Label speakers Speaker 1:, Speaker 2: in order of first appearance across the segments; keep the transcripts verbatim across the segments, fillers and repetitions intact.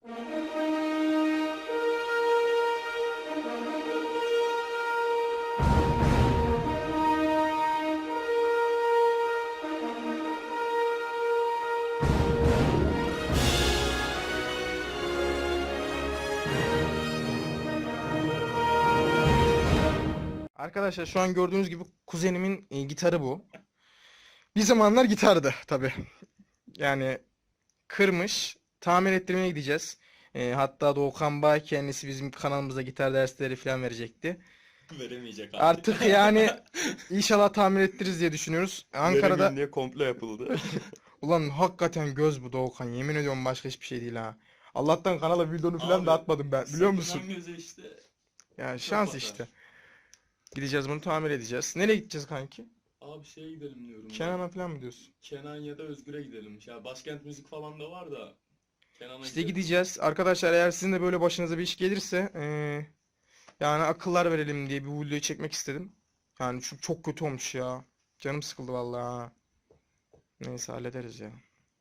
Speaker 1: Arkadaşlar şu an gördüğünüz gibi kuzenimin e, gitarı bu. Bir zamanlar gitardı tabi. Yani kırmış. Tamir ettirmeye gideceğiz. E, hatta Doğukan Bay kendisi bizim kanalımızda gitar dersleri falan verecekti.
Speaker 2: Veremeyecek artık.
Speaker 1: Artık yani inşallah tamir ettiririz diye düşünüyoruz. Ankara'da
Speaker 2: Veremeyeyim diye komple yapıldı.
Speaker 1: ulan hakikaten göz bu Doğukan. Yemin ediyorum başka hiçbir şey değil ha. Allah'tan kanala videonu falan
Speaker 2: Abi,
Speaker 1: da atmadım ben. Biliyor musun?
Speaker 2: Sakınan göze işte.
Speaker 1: Yani şans
Speaker 2: batar.
Speaker 1: işte. Gideceğiz bunu tamir edeceğiz. Nereye gideceğiz kanki?
Speaker 2: Abi şeye gidelim diyorum. ya.
Speaker 1: Kenan'a falan mı diyorsun?
Speaker 2: Kenan ya da Özgür'e gidelim. Ya başkent müzik falan da var da. Kenan'a
Speaker 1: İşte
Speaker 2: gidelim.
Speaker 1: gideceğiz. Arkadaşlar eğer sizin de böyle başınıza bir iş gelirse eee, yani akıllar verelim diye bir videoyu çekmek istedim. Yani çünkü çok kötü olmuş ya. Canım sıkıldı vallahi. ha. Neyse hallederiz ya.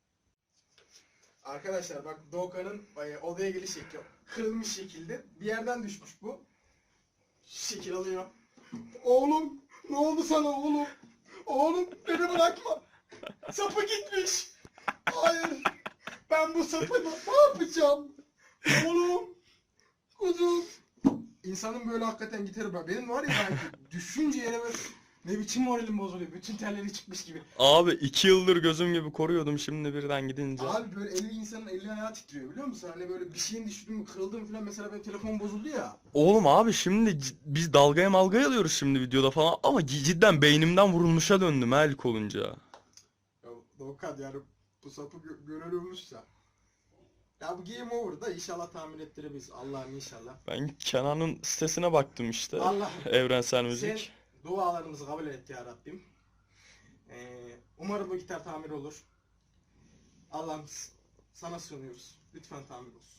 Speaker 1: Arkadaşlar bak Doğukan'ın e, odaya geliş şekli kırılmış şekilde bir yerden düşmüş bu. Şu şekil alıyor. Oğlum ne oldu sana oğlum? Oğlum beni bırakma. Sapı gitmiş. Hayır. Ben bu sapı ne yapacağım? Oğlum. Kuzum. İnsanın böyle hakikaten gitarı bırak. Benim var ya belki düşünce yere böyle ne biçim moralim bozuluyor. Bütün telleri çıkmış gibi.
Speaker 2: Abi iki yıldır gözüm gibi koruyordum, şimdi birden gidince.
Speaker 1: Abi böyle eli insanın eli ayağı titriyor biliyor musun? Hani böyle bir şeyin düştü mü kırıldı mı falan, mesela benim telefon bozuldu ya.
Speaker 2: Oğlum abi şimdi c- biz dalgaya malgaya alıyoruz şimdi videoda falan ama c- cidden beynimden vurulmuşa döndüm ha ilk olunca.
Speaker 1: Ya Doğukan yani bu sapı gö görülmüşse. Ya bu game over da inşallah tamir ettirebiliriz. Allah'ım inşallah.
Speaker 2: Ben Kenan'ın sitesine baktım işte.
Speaker 1: Allah
Speaker 2: Evrensel Müzik.
Speaker 1: sen dualarımızı kabul et ya Rabbim. Ee, umarım bu gitar tamir olur. Allah'ım s- sana sunuyoruz. Lütfen tamir olsun.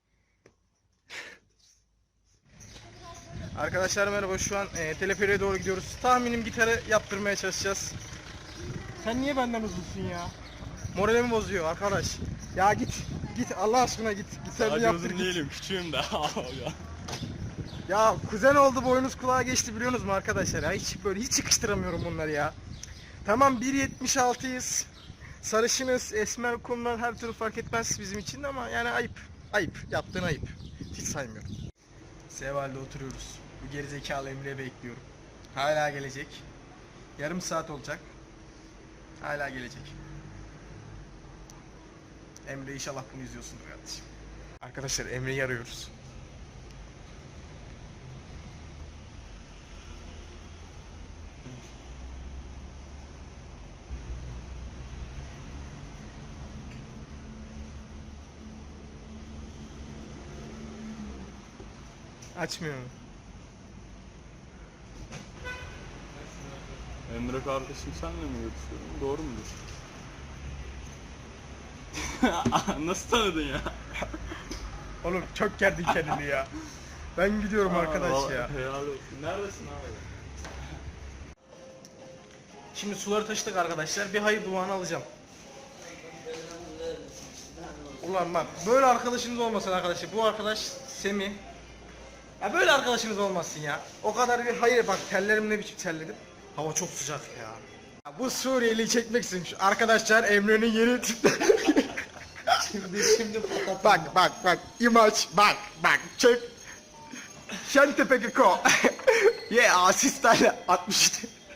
Speaker 1: Arkadaşlar merhaba, şu an e, teleferiğe doğru gidiyoruz. Tahminim gitarı yaptırmaya çalışacağız. Sen niye benden uzunsun ya? Moralimi bozuyor arkadaş. Ya git, git Allah aşkına git. Gitarını
Speaker 2: Sadece
Speaker 1: yaptır
Speaker 2: uzun
Speaker 1: git.
Speaker 2: değilim, küçüğüm de.
Speaker 1: Ya kuzen oldu, boynuz kulağa geçti biliyorsunuz mu arkadaşlar ya? Hiç böyle hiç yakıştıramıyorum bunları ya. Tamam bir yetmiş altıyız. Sarışınız, esmer, kumlar her türlü fark etmez bizim için de ama yani ayıp. Ayıp. Yaptığın ayıp. Hiç saymıyorum. Seval'de oturuyoruz. Bu gerizekalı Emre'yi bekliyorum. Hala gelecek. Yarım saat olacak. Hala gelecek. Emre inşallah bunu izliyorsundur kardeşim. Arkadaşlar Emre'yi arıyoruz. Açmıyor mu?
Speaker 2: Emre kardeşim senle mi görüşüyorum? Doğru mudur? Nasıl tanıdın ya?
Speaker 1: Oğlum çok gerdin kendini ya. Ben gidiyorum arkadaş
Speaker 2: Aa,
Speaker 1: ya.
Speaker 2: Helal olsun. Neredesin abi?
Speaker 1: Şimdi suları taşıdık arkadaşlar. Bir hayır duanı alacağım. Ulan bak böyle arkadaşınız olmasın arkadaşlar. Bu arkadaş Semih. Ya böyle arkadaşınız olmasın ya. O kadar bir hayır, bak tellerim ne biçim terledim. Hava çok sıcak ya. Ya bu Suriyeli'yi çekmek istedim. Şu arkadaşlar Emre'nin yeni
Speaker 3: Şimdi şimdi patlatın.
Speaker 1: Bak bak bak imaj bak bak çek. Şentepe Geko. Ye asistayla altmış.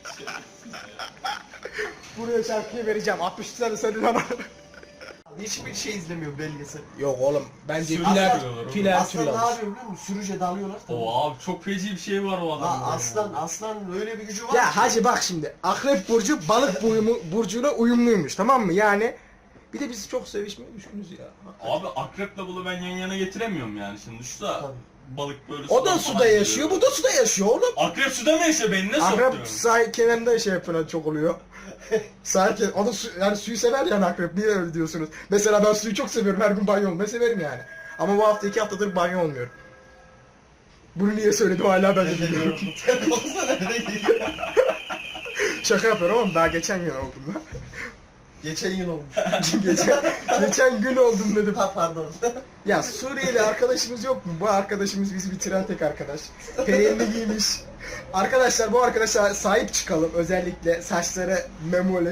Speaker 1: Buraya şarkıyı vereceğim. altmış tane senin ama.
Speaker 3: Hiçbir şey izlemiyor belgesel.
Speaker 1: Yok oğlum bence
Speaker 2: Sürü
Speaker 1: filer
Speaker 2: yapıyorlar oğlum.
Speaker 1: filer
Speaker 3: Aslan ne
Speaker 1: türü.
Speaker 3: yapıyor biliyor musun? Sürüce dalıyorlar.
Speaker 2: O abi çok feci bir şey var o adamda.
Speaker 3: Aa, aslan aslan öyle bir gücü var.
Speaker 1: Ya
Speaker 3: ki.
Speaker 1: hacı bak şimdi Akrep burcu balık uyumu, burcuyla uyumluymuş, tamam mı? Yani bir de biz çok sevişmeye düşkünüz ya.
Speaker 2: Abi akreple balığı ben yan yana getiremiyorum yani şimdi. Şu da
Speaker 3: Tabii.
Speaker 2: balık böyle
Speaker 1: O da
Speaker 2: sudan
Speaker 1: suda
Speaker 2: falan
Speaker 1: yaşıyor,
Speaker 2: geliyor.
Speaker 1: bu da suda yaşıyor oğlum.
Speaker 2: Akrep suda mı yaşıyor? Beni ne
Speaker 1: Akrep
Speaker 2: sokuyorsun?
Speaker 1: sahil kenarında şey yapıyor çok oluyor. Sahil kenar, o da su, yani suyu sever yani akrep, niye öyle diyorsunuz? Mesela ben suyu çok seviyorum, her gün banyo olmayı severim yani. Ama bu hafta iki haftadır banyo olmuyorum. Bunu niye söyledim hala ben de bilmiyorum.
Speaker 3: Olsa nerede geliyor?
Speaker 1: Şaka yapıyorum ama daha geçen gün oldu da.
Speaker 3: Geçen yıl olmuş.
Speaker 1: geçen, geçen gün oldum dedim.
Speaker 3: Ha pardon.
Speaker 1: Ya Suriyeli arkadaşımız yok mu? Bu arkadaşımız bizi bitiren tek arkadaş. Perenini giymiş. Arkadaşlar bu arkadaşa sahip çıkalım. Özellikle saçları memoli.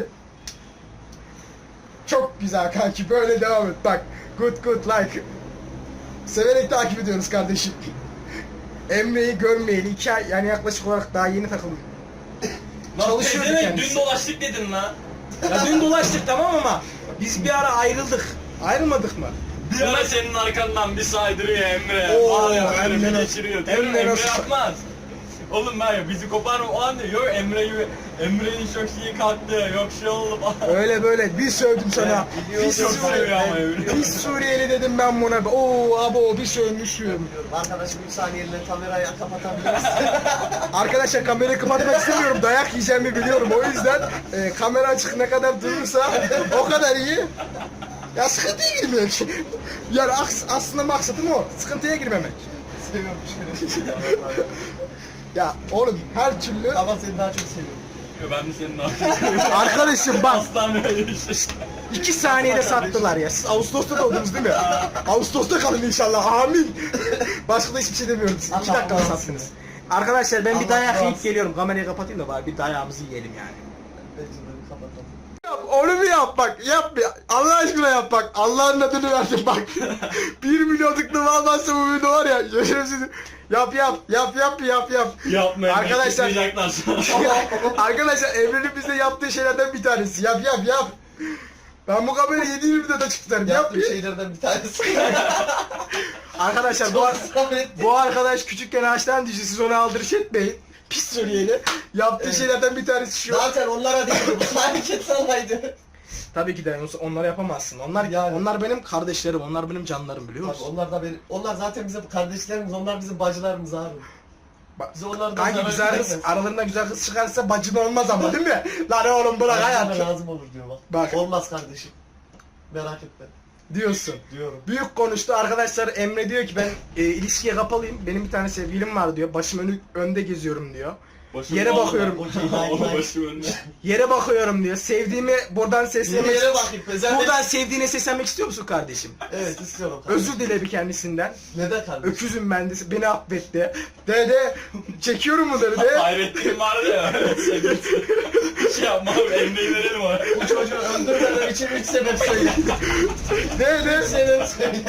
Speaker 1: Çok güzel kanki, böyle devam et. Bak, good good like. Severek takip ediyoruz kardeşim. Emre'yi görmeyeli iki ay, yani yaklaşık olarak daha yeni takıldım. Çalışıyordu
Speaker 2: Pezevenk,
Speaker 1: kendisi.
Speaker 2: dün dolaştık dedin lan.
Speaker 1: Ya dün dolaştık tamam ama biz bir ara ayrıldık. Ayrılmadık mı?
Speaker 2: Bir ara senin arkandan bir saydırıyor Emre.
Speaker 1: Oo,
Speaker 2: Var ya böyle
Speaker 1: Emre
Speaker 2: bir
Speaker 1: nasıl-
Speaker 2: geçiriyor. Değil mi?
Speaker 1: Emre
Speaker 2: Emre
Speaker 1: nasıl-
Speaker 2: yapmaz. Oğlum ben ya bizi koparma o an diyor. Yok Emre'yi Emre'nin çok iyi kalktı. Yok şey oldu falan.
Speaker 1: Öyle böyle bir sövdüm sana.
Speaker 2: Biliyor,
Speaker 1: Pis
Speaker 2: çok
Speaker 1: Suriyeli,
Speaker 2: seviyor ama Emre.
Speaker 1: pis Suriyeli dedim ben buna. Oo abo bir sövmüşüm.
Speaker 3: Arkadaşım üç saniyeliğine kamerayı kapatabilir misin?
Speaker 1: Arkadaşlar kamerayı kapatmak istemiyorum. Dayak yiyeceğimi biliyorum. O yüzden e, kamera açık ne kadar durursa o kadar iyi. Ya sıkıntıya girmek. Yani aks- aslında maksadım o. Sıkıntıya girmemek.
Speaker 3: Seviyorum şöyle.
Speaker 1: Ya oğlum her türlü...
Speaker 3: Ama seni daha çok seviyorum.
Speaker 2: Yo, ben de senin arkadaşım.
Speaker 1: Arkadaşım bak.
Speaker 2: Aslan böyle işte.
Speaker 1: İki saniyede sattılar ya. Siz Ağustos'ta doğdunuz değil mi? Ağustos'ta kalın inşallah. Amin. Başka da hiçbir şey demiyorum. Siz iki
Speaker 3: Allah
Speaker 1: dakikada
Speaker 3: razı
Speaker 1: sattınız. Arkadaşlar ben bir
Speaker 3: Allah
Speaker 1: dayak
Speaker 3: razı
Speaker 1: yiyip
Speaker 3: olsun.
Speaker 1: geliyorum. Kamerayı kapatayım da bari bir dayağımızı yiyelim yani.
Speaker 3: Bence de kapatalım.
Speaker 1: Yap, onu bir yap bak. Yap ya. Allah aşkına yap bak. Allah'ın adını verdim bak. Bir milyonluk numara almazsa bu video var ya. Yaşarım. Yap yap. Yap yap yap yap.
Speaker 2: Yapmayın.
Speaker 1: Arkadaşlar-
Speaker 2: Çıkmayacaklar sonra.
Speaker 1: Arkadaşlar Emre'nin bize yaptığı şeylerden bir tanesi. Yap yap yap. Ben bu kamerayı yedi yirmi videoda tutarım. Yap
Speaker 3: Yaptığım
Speaker 1: bir.
Speaker 3: şeylerden bir tanesi.
Speaker 1: Arkadaşlar bu,
Speaker 3: Çok zahmetli.
Speaker 1: bu arkadaş küçükken ağaçtan düştü. Siz onu aldırış etmeyin. Pis Suriyeli. Yaptığı
Speaker 3: Evet.
Speaker 1: şeylerden bir tanesi şu.
Speaker 3: Zaten onlara değil bu hareket sanaydı.
Speaker 1: Tabii ki de onları yapamazsın. Onlar
Speaker 3: Yani.
Speaker 1: onlar benim kardeşlerim. Onlar benim canlarım biliyor
Speaker 3: Tabii
Speaker 1: musun?
Speaker 3: onlar da benim, onlar zaten bizim kardeşlerimiz, onlar bizim bacılarımız abi.
Speaker 1: Bak,
Speaker 3: Biz onlardan
Speaker 1: kanki
Speaker 3: zarar
Speaker 1: güzel kız,
Speaker 3: görmeyiz.
Speaker 1: aralarında güzel kız çıkarsa bacın olmaz ama değil mi? Lan oğlum bırak
Speaker 3: Bacılara
Speaker 1: hayat.
Speaker 3: lazım olur diyor bak.
Speaker 1: Bak.
Speaker 3: Olmaz kardeşim. Merak etme.
Speaker 1: Diyorsun.
Speaker 3: Diyorum.
Speaker 1: Büyük konuştu arkadaşlar. Emre diyor ki ben e, ilişkiye kapalıyım. Benim bir tane sevgilim var diyor. Başım önü, önde geziyorum diyor.
Speaker 2: Başım
Speaker 1: Yere
Speaker 2: oldu.
Speaker 1: bakıyorum.
Speaker 3: Okey, nice, nice.
Speaker 2: Başım önde.
Speaker 1: Yere bakıyorum diyor. Sevdiğimi buradan
Speaker 3: Bir
Speaker 1: seslenmek
Speaker 3: yere bakayım. Özel
Speaker 1: Buradan sevdiğine seslenmek istiyor musun kardeşim?
Speaker 3: Evet istiyorum kardeşim.
Speaker 1: Özür dile bir kendisinden.
Speaker 3: Neden kardeşim?
Speaker 1: Öküzüm ben de beni affet de. De de çekiyorum mu de de.
Speaker 2: Hayrettin vardı ya. Sevgilisi. Şey yapma abi Emre'yi verelim ona.
Speaker 3: Bu çocuğu öldürmeden için üç sebep söyle.
Speaker 1: De
Speaker 3: Üç
Speaker 1: de
Speaker 3: sebep söyle.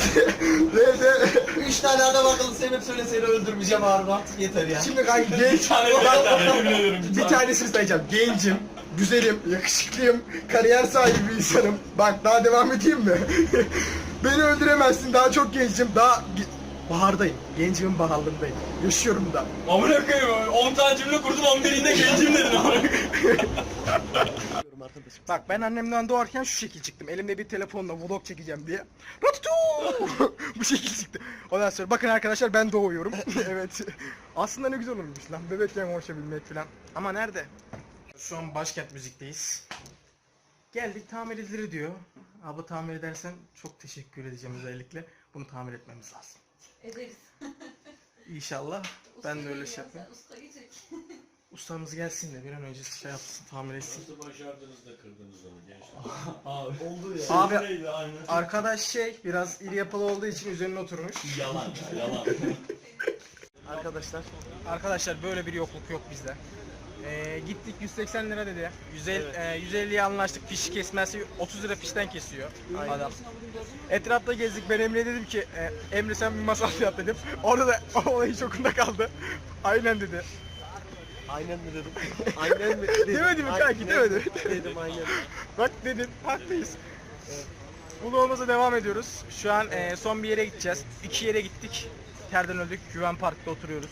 Speaker 1: de de.
Speaker 3: Üç tane adam akıllı sebep söyle seni öldürmeyeceğim abi artık yeter ya.
Speaker 1: Şimdi kanka
Speaker 2: Bir
Speaker 1: genç.
Speaker 2: tane yeter yemin ediyorum.
Speaker 1: Bir tanesini sayacağım. Gencim, güzelim, yakışıklıyım, kariyer sahibi bir insanım. Bak daha devam edeyim mi? Beni öldüremezsin. Daha çok gencim. Daha ge- bahardayım. Gencimin baharlarındayım. Yaşıyorum da.
Speaker 2: Amına koyayım on tane cümle kurdun on birinde gencim dedin amına koyayım.
Speaker 3: Arkadaşım.
Speaker 1: Bak ben annemden doğarken şu şekil çıktım. Elimde bir telefonla vlog çekeceğim diye. Ratutu! Bu şekil çıktı. Ondan sonra bakın arkadaşlar ben doğuyorum. Evet. Aslında ne güzel olmuş lan. Bebekken konuşabilmek falan. Ama nerede? Şu an başkent müzikteyiz. Geldik tamir edilir diyor. Abi tamir edersen çok teşekkür edeceğim özellikle. Bunu tamir etmemiz lazım.
Speaker 4: Ederiz.
Speaker 1: İnşallah. Ben de öyle
Speaker 4: Usta
Speaker 1: şey
Speaker 4: geliyor,
Speaker 1: yapayım.
Speaker 4: Usta gelecek.
Speaker 1: Ustamız gelsin de bir an önce şey yapsın, tamir etsin.
Speaker 5: Nasıl başardınız da kırdınız onu gençler?
Speaker 2: Abi.
Speaker 3: Oldu ya.
Speaker 1: Abi
Speaker 2: Neydi aynen.
Speaker 1: arkadaş şey biraz iri yapılı olduğu için üzerine oturmuş.
Speaker 2: Yalan ya yalan.
Speaker 1: Arkadaşlar. Arkadaşlar böyle bir yokluk yok bizde. Ee, gittik yüz seksen lira dedi. yüz elli, e, yüz elliye anlaştık. Fiş kesmesi otuz lira fişten kesiyor adam. Etrafta gezdik. Ben Emre'ye dedim ki e, Emre sen bir masraf yap dedim. Orada da olay hiç okunda kaldı. Aynen dedi.
Speaker 3: Aynen mi dedim? Aynen mi dedim?
Speaker 1: Demedi mi kanki,
Speaker 3: Aynen
Speaker 1: demedi.
Speaker 3: Dedim aynen.
Speaker 1: Bak dedin, haklıyız. Vlogumuza devam ediyoruz. Şu an e, son bir yere gideceğiz. İki yere gittik. Terden öldük. Güven Park'ta oturuyoruz.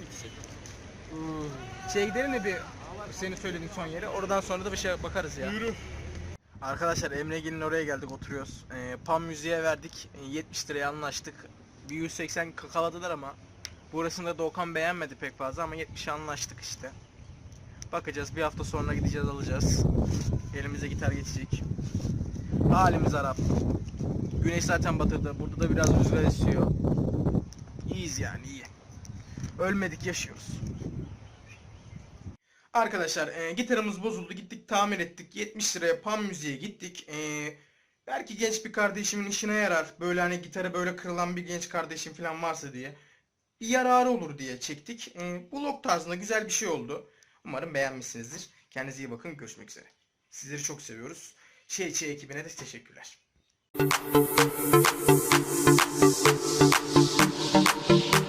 Speaker 1: Şey gidelim de bir senin söylediğin son yere. Oradan sonra da bir şey bakarız ya. Yürü. Arkadaşlar Emre'gil'in oraya geldik oturuyoruz. E, Pan müziğe verdik. E, yetmiş liraya anlaştık. Bir yüz seksen kakaladılar ama burasında da Okan beğenmedi pek fazla ama yetmişe anlaştık işte. Bakacağız bir hafta sonra gideceğiz alacağız. Elimize gitar geçecek. Halimiz Arap. Güneş zaten batırdı. Burada da biraz rüzgar esiyor. İyiyiz yani iyi. Ölmedik yaşıyoruz. Arkadaşlar e, gitarımız bozuldu. Gittik tamir ettik. yetmiş liraya Pan Müziğe gittik. E, belki genç bir kardeşimin işine yarar. Böyle hani gitarı böyle kırılan bir genç kardeşim falan varsa diye. Bir yararı olur diye çektik. E, vlog tarzında güzel bir şey oldu. Umarım beğenmişsinizdir. Kendinize iyi bakın. Görüşmek üzere. Sizleri çok seviyoruz. Şey Çey ekibine de teşekkürler.